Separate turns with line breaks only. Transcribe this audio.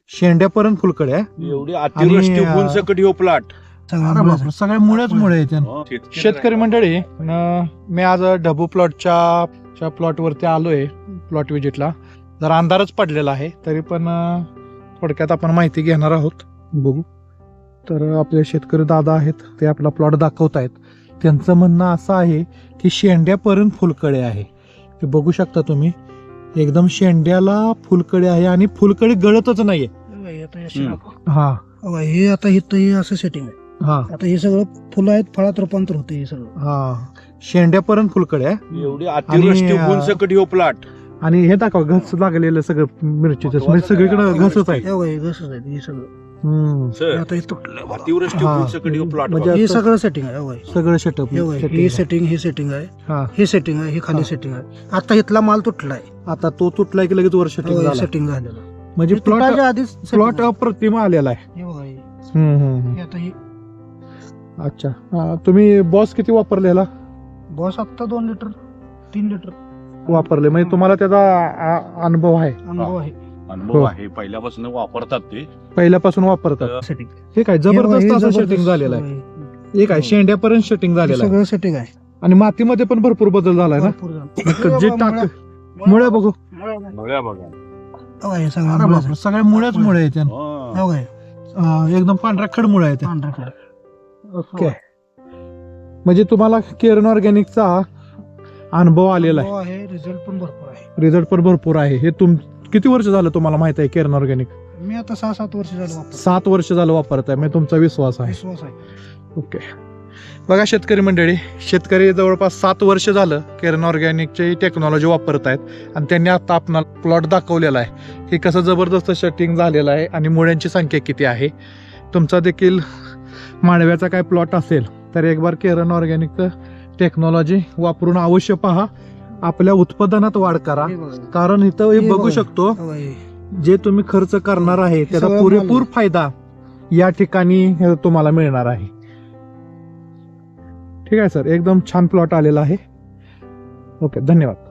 शेंड्यापर्यंत फुलकडे आहे.
एवढी अतिवृष्टी होऊन सकट ह्यो प्लॉट.
सगळ्या मुळेच मुळे आहेत. शेतकरी मंडळी, मी आज ढबू प्लॉटच्या प्लॉटवरती आलोय, प्लॉट विजिटला. जरा अंधारच पडलेला आहे, तरी पण थोडक्यात आपण माहिती घेणार आहोत. बघू तर आपले शेतकरी दादा आहेत, ते आपला प्लॉट दाखवत आहेत. त्यांचं म्हणणं असं आहे की शेंड्यापर्यंत फुलकडे आहे. ते बघू शकता तुम्ही, एकदम शेंड्याला फुलकडे आहे आणि फुलकडे गळतच नाहीये. हा
हे आता इथं असं सेटिंग आहे.
हा
आता हे सगळं फुलं आहेत, फळात रूपांतर होते हे सगळं.
हा शेंड्यापर्यंत फुलकडे आहे.
एवढी अतिवृष्टी होऊन सकट ह्यो प्लॉट.
आणि हे दाखवा, घस लागलेलं सगळं मिरचीचं, म्हणजे सगळीकडे घसच आहे.
घसच आहे हे सगळं.
सर,
आता हे तुटलं
अतिवृष्टी होऊन सकट ह्यो प्लॉट.
म्हणजे
हे सगळं सेटिंग आहे.
सगळं सेटअप
हे सेटिंग, हे सेटिंग आहे, हे सेटिंग आहे, हे खाली सेटिंग आहे. आता इथला माल तुटलाय.
आता तो तुटलाय की लगेच वर सेटिंग झाला.
सेटिंग झालेलं
म्हणजे
तुटायच्या आधीच
प्लॉट अप्रतिम आलेला आहे.
हे बघा हे.
हम्म.
हे आता हे
अच्छा, तुम्ही बॉस किती वापरलेला?
बॉस आता 2 लिटर 3 लिटर
वापरले, म्हणजे तुम्हाला त्याचा अनुभव आहे,
अनुभव आहे.
अनुभव आहे, पहिल्यापासून वापरतात ते.
पहिल्यापासून वापरतात.
सेटिंग
हे काय जबरदस्त असं सेटिंग झालेलं आहे. हे काय शेंड्यापर्यंत सेटिंग झालेलं आहे.
सगळं सेटिंग आहे.
आणि मातीमध्ये पण भरपूर बदल झालाय ना.
भरपूर झालं.
जे टाक मुळे बघू,
मुळ्या बघा.
हो, हे सगळं
अरे बापरे, सगळ्या मुळेच मुळे आहेत.
हा.
हो, हे.
एकदम पांढऱ्या खड मुळे आहेत.
पांढरा खडा.
ओके, म्हणजे तुम्हाला केरन ऑर्गॅनिकचा अनुभव आलेला आहे.
हो, आहे. रिझल्ट पण भरपूर आहे.
रिझल्ट पण भरपूर आहे. हे किती वर्ष झालं तुम्हाला माहित आहे केरन ऑर्गॅनिक?
मी आता 6-7 वर्ष झालं वापरतो.
7 वर्ष झालं वापरत आहे, म्हणजे तुमचा विश्वास आहे.
विश्वास आहे.
ओके, बघा शेतकरी मंडळी, शेतकरी जवळपास 7 वर्ष झालं केरन ऑर्गॅनिकची टेक्नॉलॉजी वापरत आहेत. आणि त्यांनी आता आपणाला प्लॉट दाखवलेला आहे की कसं जबरदस्त सेटिंग झालेलं आहे आणि मुळ्यांची संख्या किती आहे. तुमचा देखील मांडव्याचा काय प्लॉट असेल तर एक बार केरन ऑर्गॅनिकचं टेक्नॉलॉजी वापरून अवश्य पहा. आपल्या उत्पादनात वाढ करा,
हे बघा.
कारण इथं हे बघू शकतो,
हो, हे.
जे तुम्ही खर्च करणार आहे त्याचा
सगळं
पुरेपूर
माल.
फायदा या ठिकाणी तुम्हाला मिळणार आहे. ठीक आहे सर, एकदम छान प्लॉट आलेला आहे. ओके, धन्यवाद.